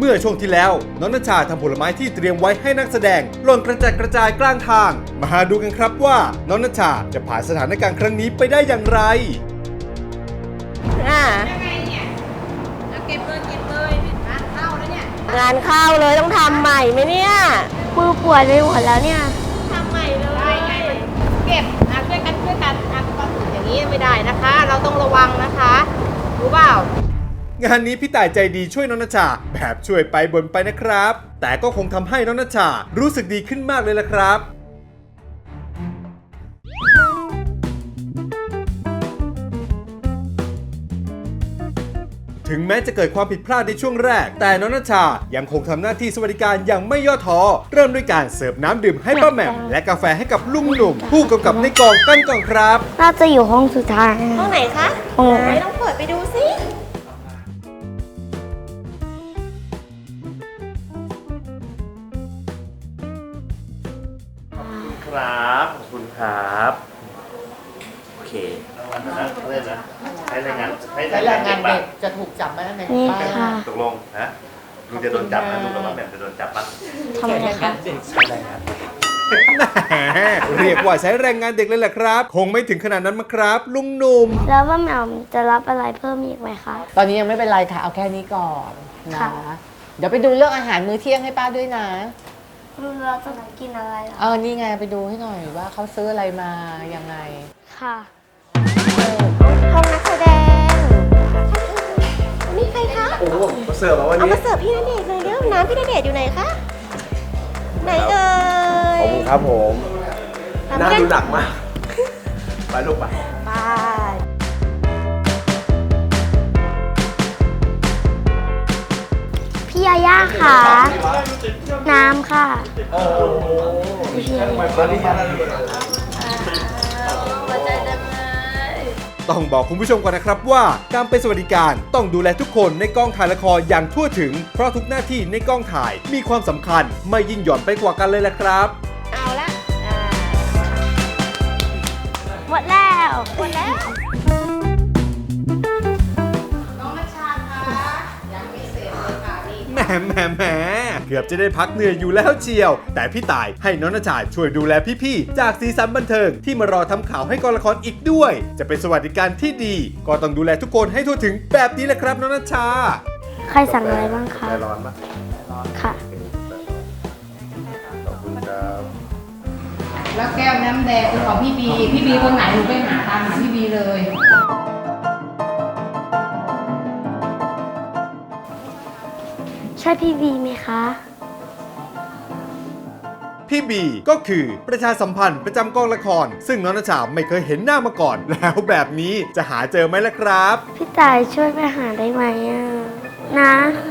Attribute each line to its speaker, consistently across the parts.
Speaker 1: มื่อช่วงที่แล้วน้องณชาทำผลไม้ที่เตรียมไว้ให้นักแสดงหล่นกระจัดกระจายกลางทางมาดูกันครับว่าน้องณชาจะผ่านสถานการณ์ครั้งนี้ไปได้อย่างไร
Speaker 2: ยังไงเนี่ยเก็บเลยงานเข้าแล้วเนี่ย
Speaker 3: งานเข้าเลยต้องทำใหม่ไหมเนี่ยมือปวดไปหมดแล้วเนี่ยทำใหม่เลย
Speaker 2: ได้ไงเก็บช่วยกันความสุขอย่างนี้ไม่ได้นะคะ เราต้องระวังนะคะรู้เปล่าง
Speaker 1: านนี้พี่ต่ายใจดีช่วยน้องณชาแบบช่วยไปบ่นไปนะครับ แต่ก็คงทำให้น้องณชารู้สึกดีขึ้นมากเลยละครับ ถึงแม้จะเกิดความผิดพลาดในช่วงแรกแต่น้องณชายังคงทำหน้าที่สวัสดิการอย่างไม่ย่อท้อเริ่มด้วยการเสิร์ฟน้ำดื่มให้ป้าแหม่มและกาแฟให้กับลุงหนุ่มผู้กำกับในกองกันก่อนครับ
Speaker 3: น่าจะอยู่ห้องสุดท้าย
Speaker 2: ห้องไหนคะ
Speaker 3: ห้องไหน
Speaker 2: ต้องเปิดไปดูสิ
Speaker 4: ครับขอบคุณครับโอเคเล่นนะใช้แรงงานเด็ก
Speaker 5: จะถูกจับไหมใน
Speaker 3: นี่
Speaker 5: บ้าน
Speaker 3: ค่ะ
Speaker 4: ตกลงฮะลุงจะโดนจับนะลุงกับป้าแหม่มจะโดนจับปะ
Speaker 3: ทำไมคะ
Speaker 4: ใช้แรงงาน
Speaker 1: แหมเรียกว่าใช้แรงงานเด็กเลยแหละครับ คงไม่ถึงขนาดนั้นมั้งครับ ลุงหนุ่ม
Speaker 3: แล้วว่าแหม่มจะรับอะไรเพิ่มอีกไหมคะ
Speaker 5: ตอนนี้ยังไม่เป็นไรค่ะ เอาแค่นี้ก่อนนะ
Speaker 3: ค่ะ
Speaker 5: เดี๋ยวไปดูเรื่องอาหารมื้อเที่ยงให้ป้าด้วยนะ
Speaker 3: เราจะกินอะไรเหรอ
Speaker 5: นี่ไงไปดูให้หน่อยว่าเขาซื้ออะไรมายังไง
Speaker 3: ค่ะห้องนักแสดงนี่ใครคะ
Speaker 4: โอ้โหมาเสิร์ฟมาวัน
Speaker 3: เอา
Speaker 4: นี้
Speaker 3: มาเสิร์ฟพี่ณเดชน์เลยเร็วน้ำพี่ณเดชน์อยู่ไหนคะไหนเอ่ย
Speaker 4: ขอบคุณครับผมน่าดูหนักมากไปลูกไป
Speaker 3: ไปพี่ยาย่าค่ะ น้ำค่ะ
Speaker 4: โอ้โห
Speaker 3: พี่ยาย่า
Speaker 4: ตอนนี้มาแล้ว
Speaker 1: ต้องบอกคุณผู้ชมก่อนนะครับว่าการเป็นสวัสดิการต้องดูแลทุกคนในกองถ่ายละครอย่างทั่วถึง เพราะทุกหน้าที่ในกองถ่ายมีความสำคัญไม่ยิ่งหย่อนไปกว่ากันเลยแหละครับ
Speaker 3: เอาละหมดแล้วหมดแล้ว
Speaker 2: น้องนัชชาคะยังไม่เสร็จเลยค่ะนี่
Speaker 1: แหมเกือบจะได้พักเหนื่อยอยู่แล้วเชียว แต่พี่ต่ายให้น้องณชาช่วยดูแลพี่ๆจากสีสันบันเทิงที่มารอทำข่าวให้กองละครอีกด้วย จะเป็นสวัสดิการที่ดี ก็ต้องดูแลทุกคนให้ทั่วถึงแบบนี้แหละครับน้องณชา
Speaker 3: ใครสั่งอะไรบ้างคะ
Speaker 4: ใจร้อนปะ
Speaker 3: ค่ะ
Speaker 4: ขอบคุณครับ
Speaker 2: แล้วแก้วน้ำแดงคือของพี่บีคนไหนหนูไปหาตามหาพี่บีเลย
Speaker 3: ใช่พี่วีไหมคะ
Speaker 1: พี่บีก็คือประชาสัมพันธ์ประจำกองละคร ซึ่งน้องณชาไม่เคยเห็นหน้ามาก่อน แล้วแบบนี้จะหาเจอไหมล่ะครับ
Speaker 3: พี่ต่ายช่วยไปหาได้ไหมอ่ะนะ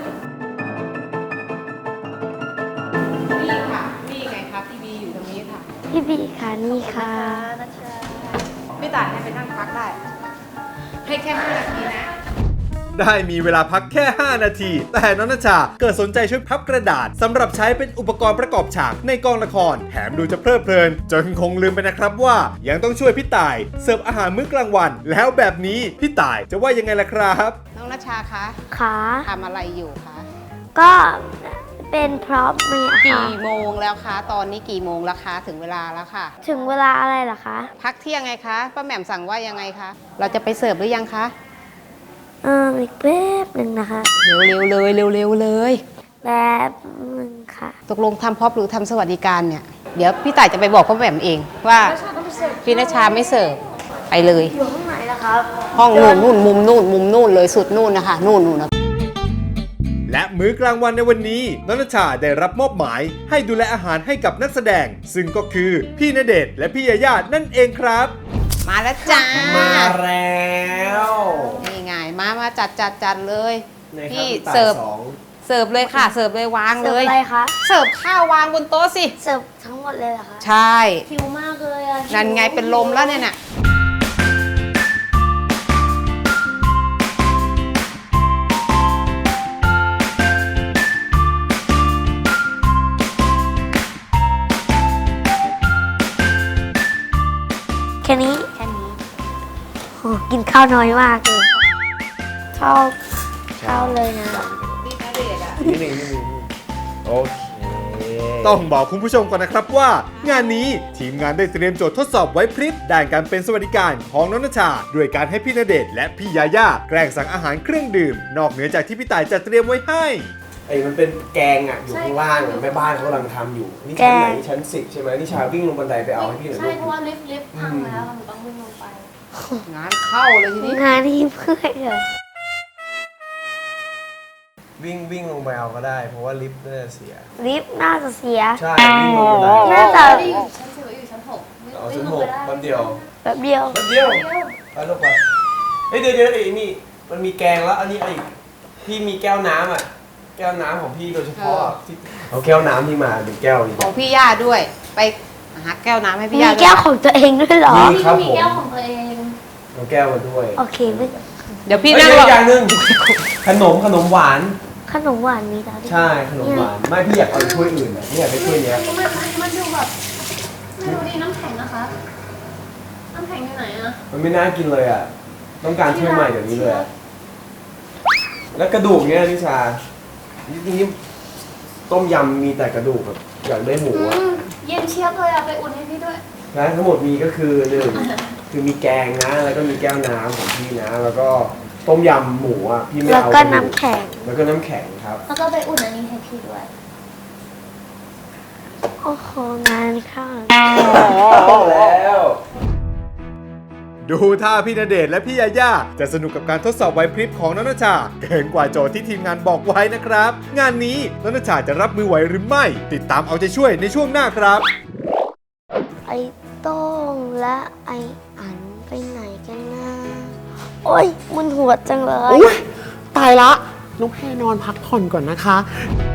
Speaker 2: นี่ค่ะ นี่ไงครับพี่บีอยู่ตรงนี้ค่ะ
Speaker 3: พี่บีค่ะนี่ค่ะ
Speaker 2: พี่ต่ายให้ไปนั่งพักได้ ให้แค่5 นาทีนะ
Speaker 1: ได้มีเวลาพักแค่ 5 นาที แต่น้องณชาเกิดสนใจช่วยพับกระดาษสำหรับใช้เป็นอุปกรณ์ประกอบฉากในกองละคร แถมดูจะเพลิดเพลิน จนคงลืมไปนะครับว่ายังต้องช่วยพี่ต่ายเสิร์ฟอาหารมื้อกลางวัน แล้วแบบนี้พี่ต่ายจะว่ายังไงล่ะครับ
Speaker 2: น้องนัชชาคะ
Speaker 3: ค่ะ
Speaker 2: ทำอะไรอยู่คะ
Speaker 3: ก็เป็นพร็อพมีค่ะ
Speaker 2: กี่โมงแล้วคะ ตอนนี้กี่โมงแล้วคะ ถึงเวลาแล้วค่ะ
Speaker 3: ถึงเวลาอะไรเหรอคะ
Speaker 2: พักเที่ยงไงคะ ป้าแหม่มสั่งว่ายังไงคะ เราจะไปเสิร์ฟหรือยังคะ
Speaker 3: อีกแป๊บหนึ่งนะคะ
Speaker 2: เร็วๆเลยเร็วๆเลย
Speaker 3: แป๊บหนึ่งค่ะ
Speaker 2: ตกลงทำพร็อพหรือทำสวัสดิการเนี่ย เดี๋ยวพี่ต่ายจะไปบอกป้าแหม่มเองว่าพี่นัชชาไม่เสิร์ฟไปเลย
Speaker 3: อยู่ห้องไหนล่ะครับ
Speaker 2: ห้องนู่นมุมนู่นเลยสุดนู่นนะคะนู่นนะ
Speaker 1: และมื้อกลางวันในวันนี้น้องณชาได้รับมอบหมายให้ดูแลอาหารให้กับนักแสดง ซึ่งก็คือพี่ณเดชน์และพี่ยาย่านั่นเองครับ
Speaker 2: มาแล้วจ้า
Speaker 4: มาแล้ว
Speaker 2: นี่ไงมาจัดเลย
Speaker 4: ในครับ
Speaker 2: พี่
Speaker 4: พี่ต่าย
Speaker 2: เสิร์ฟ
Speaker 4: สอง
Speaker 2: เสิร์ฟเลยค่ะ เสิร์ฟเลยวาง
Speaker 3: เสิ
Speaker 2: เล
Speaker 3: ร์ฟ
Speaker 2: ย
Speaker 3: อะไรคะ
Speaker 2: เสิร์ฟข้าววางบนโต๊ะสิ
Speaker 3: เสิร์ฟทั้งหมดเลยเหรอคะ
Speaker 2: ใช่
Speaker 3: หิวมากเลยอ่ะ
Speaker 2: นั่นไงเป็นลมแล้วเนี่ยน่ะ
Speaker 3: แค่นี้โหกินข้าวน้อยมากเลยชอบข้าวเลยนะ
Speaker 2: พี่ณเดชน์อะ
Speaker 6: นี่โอเค
Speaker 1: ต้องบอกคุณผู้ชมก่อนนะครับว่า งานนี้ทีมงานได้เตรียมโจทย์ทดสอบไว้พริบด้านการเป็นสวัสดิการของน้องณชาด้วยการให้พี่ณเดชน์และพี่ยาย่าแกล้งสั่งอาหารเครื่องดื่ม นอกเหนือจากที่พี่ต่ายจัดเตรียมไว้ให้
Speaker 6: ไอ้มันเป็นแกงอ่ะอยู่ข้างล่างอะแม่บ้านเขากำลังทำอยู่นี่ชั้นไหนชั้น10ใช่ไหมนี่ชาวิ่งลงบันไดไปเอาให้พี่หน่อย
Speaker 3: ใช่
Speaker 6: ลูก
Speaker 3: เพราะว่าลิฟต์พังแล้วหนูต้องวิ่งลงไป
Speaker 2: งานเข้าเลยทีนี้
Speaker 3: งานที่เพื่อนเลย
Speaker 6: วิ่งลงไปเอาก็ได้ เพราะว่าลิฟต์น่าจะเสีย
Speaker 3: ลิฟต์น่าจะเสีย
Speaker 6: ใช่วิ่งลงบันได
Speaker 3: น่าจะ
Speaker 6: เอาชั้น6แป๊บเดียว
Speaker 3: แบบเดียว
Speaker 6: แป๊บเดียวไปลูกไปเฮ้ยเดี๋ยวไอ้นี่มันมีแกงแล้วอันนี้ไอ้พี่มีแก้วน้ำอ่ะแก้วน้ำของพี่โดยเฉพาะที่เอาแก้วน้ำที่มาเป็นแก้วนี้
Speaker 2: ของพี่ย่าด้วย ไปหาแก้วน้ำให้พี่
Speaker 3: มี
Speaker 2: ย่าด้วย
Speaker 3: แก้วของตัวเองด้วยเหรอ
Speaker 6: มีครับผม
Speaker 3: มีแก้วของตัวเอง
Speaker 6: เอาแก้วมาด้วย
Speaker 3: โอเคไม่
Speaker 2: เดี๋ยวพี่
Speaker 6: เฮ้ย
Speaker 2: นั่ง
Speaker 6: เดี๋ยว
Speaker 2: ร
Speaker 6: อี
Speaker 2: อก
Speaker 6: อย่างหนึงขนมหวาน
Speaker 3: ขนมหวานมีแล้วดิ
Speaker 6: ใช่ขนมหวานไม่พี่อยากเอาถ้วยอื่นอ่ะไม่อยากได้ถ้วยเนี้ย
Speaker 7: มันดูแบบไม่รู้ดีน้ำแข็งนะคะ น้ำแข็งอยู่ไหนอะ
Speaker 6: มันไม่น่ากินเลยอ่ะต้องการถ้วยใหม่เดี๋ยวนี้เลยอะแล้วกระดูกเนี้ยนิชานี่ต้มยำมีแต่กระดูกแบบอยากได้หมูอ่ะ
Speaker 7: เย็นเชียบเลยอะไปอุ่นให้พี่ด้วย
Speaker 6: และทั้งหมดมีก็คือหนึ่งคือมีแกงนะ แล้วก็มีแก้วน้ำของพี่นะ แล้วก็ต้มยำหมูอ่ะพี่ไม่
Speaker 3: แล้ว
Speaker 6: เอา
Speaker 3: ก็
Speaker 6: ระดู
Speaker 3: น้ำแข็ง
Speaker 6: แล้วก็น้ำแข็งครับ
Speaker 7: แล้วก็ไปอุ่นอันนี้ให้พี่ด้วย
Speaker 3: โอ้โหงานเข้า
Speaker 6: แล้ว
Speaker 1: ดูท่าพี่ณเดชน์และพี่ยาย่าจะสนุกกับการทดสอบไหวพริบของน้องณชาเกินกว่าโจทย์ที่ทีมงานบอกไว้นะครับ งานนี้น้องณชาจะรับมือไหวหรือไม่ ติดตามเอาใจช่วยในช่วงหน้าครับ
Speaker 3: ไอ้โต้งและไอ้อันไปไหนกันนะโอ้ยมึนหัวจังเลย
Speaker 8: ตายละน้องแพรนอนพักผ่อนก่อนนะคะ